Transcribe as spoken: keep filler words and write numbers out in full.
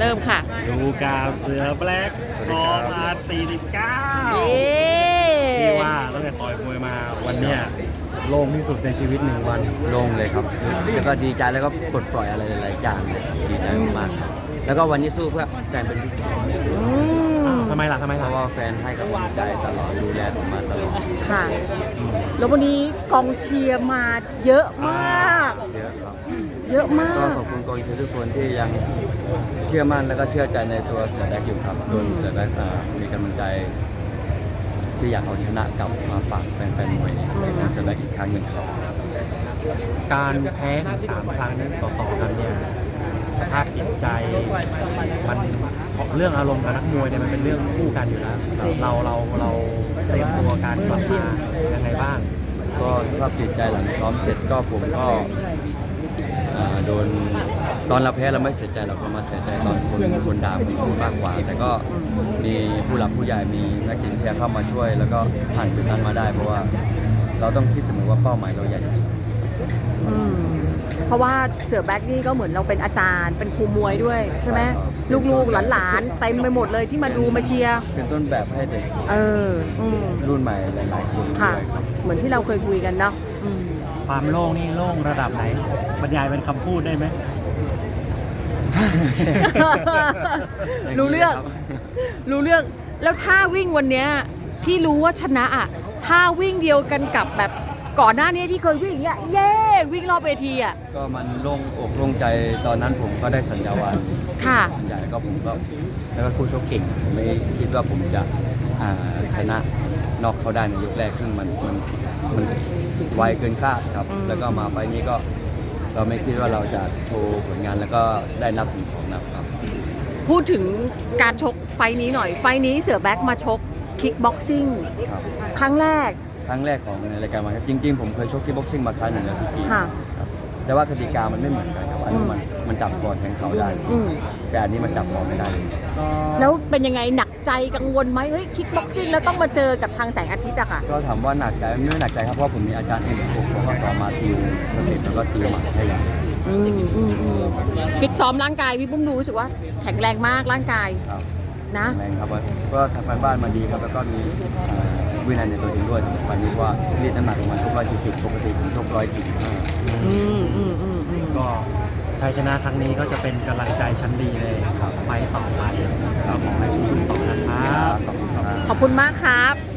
ริ่มค่ะดูกาบเสือแบล็กทองอาร์สี่สิบเก้าที่ว่าตั้งแต่ต่อยมวยมาวันเนี้ยโล่งที่สุดในชีวิตหนึ่งวันโล่งเลยครับแล้วก็ดีใจแล้วก็ปลดปล่อยอะไรหลายๆอย่างเลยดีใจมากๆครับแล้วก็วันนี้สู้เพื่อแฟนเป็นพิเศษทำไมล่ะทำไมเพล่ะราะว่าแฟนให้กำลังใจตลอดดูแลผมมาตลอดค่ะแล้ววันนี้กองเชียร์มาเยอะมากเยอะครับเยอะมาก็กขอบคุณกองเชียร์ทุกคนที่ยังเชื่อมั่นแล้วก็เชื่อใจในตัวเสือแบ็คอยู่ครับจนเสือแบ็คเอ่อมีกำลังใจที่อยากเอาชนะกลับมาฝากแฟนๆมวยของเสือแบ็คอีกครั้งหนึ่งครับการแพ้ถึงสามครั้งต่อๆกันเนี่ยสภาพจิตใจมันเรื่องอารมณ์กับนักมวยเนี่ยมันเป็นเรื่องคู่กันอยู่แล้วเราเราเราเตรียมตัวการกลับมายังไงบ้างก็สภาพจิตใจหลังซ้อมเสร็จก็ผมก็เอ่อโดนตอนเราแพ้เราไม่เสียใจเราก็มาเสียใจตอนคนคนด่าคนพูดมากกว่า แต่ก็มีผู้หลักผู้ใหญ่มีนักจิตวิทยาเข้ามาช่วย แล้วก็ผ่านจุดนั้นมาได้ เพราะว่าเราต้องคิดเสมอว่าเป้าหมายเราใหญ่ที่สุดอืมเพราะว่าเสือแบ็กนี่ก็เหมือนเราเป็นอาจารย์ เป็นครูมวยด้วยใช่ไหมลูกๆหลานๆเต็มไปหมดเลยที่มาดูมาเชียร์เป็นต้นแบบให้เด็กเอออืมรุ่นใหม่หลายๆคนค่ะด้วยครับเหมือนที่เราเคยคุยกันเนาะอืมความโล่งนี่โล่งระดับไหนบรรยายเป็นคำพูดได้ไหมรู้เรื่อง รู้เรื่อง แล้วท่าวิ่งวันเนี้ยที่รู้ว่าชนะอ่ะท่าวิ่งเดียวกันกับแบบก่อนหน้านี้ที่เคยวิ่งอย่างเงี้ยเย้วิ่งรอบเวทีอ่ะก็มันโล่งอกโล่งใจตอนนั้นผมก็ได้สัญญาวันค่ะใหญ่ก็ผมก็แล้วก็คู่ชกเก่งผมไม่คิดว่าผมจะอ่าชนะนอกเขาได้ในยกแรกซึ่งมันมันมันไวเกินคาดครับอืมแล้วก็มาไฟล์นี้ก็เราไม่คิดว่าเราจะโชว์ผลงานแล้วก็ได้นับถึงสองนับครับพูดถึงการชกไฟท์นี้หน่อย ไฟท์นี้เสือแบ็กมาชกคิกบ็อกซิ่งครับครั้งแรกครั้งแรกของในรายการมาครับจริงๆผมเคยชกที่บ็อกซิ่งมาครั้งหนึ่งแล้วพี่กีค่ะครับแต่ว่ากติกามันไม่เหมือนกันครับอันนี้มันมันจับคอแทงเขาได้อืมแต่อันนี้มันจับคอไม่ได้เลยแล้วเป็นยังไงหนักใจกังวลไหมเฮ้ยคิกบ็อกซิ่งแล้วต้องมาเจอกับทางแสงอาทิตย์อะค่ะก็ถามว่าหนักใจไม่หนักใจครับเพราะผมมีอาจารย์เอ็มผมเขาก็สอนมาติวสเต็ปแล้วก็ติวหมัดให้อย่างอืมอืมอืมฟิตซ้อมร่างกายพี่ปุ้มดูรู้สึกว่าแข็งแรงมากร่างกายครับนะแรงครับก็ทำการบ้านมาดีครับแล้วก็มีเอ่อวินัยในตัวเองด้วยไฟล์นี้ว่ารีดน้ำหนักลงมาชกร้อยสี่สิบปกติผมชกร้อยสี่สิบห้าอืมอืมอืมอืมก็ชัยชนะครั้งนี้ก็จะเป็นกำลังใจชั้นดีเลยครับไฟต์ต่อไปก็ขอให้สู้ๆต่อนะครับขอบคุณครับขอบคุณมากครับ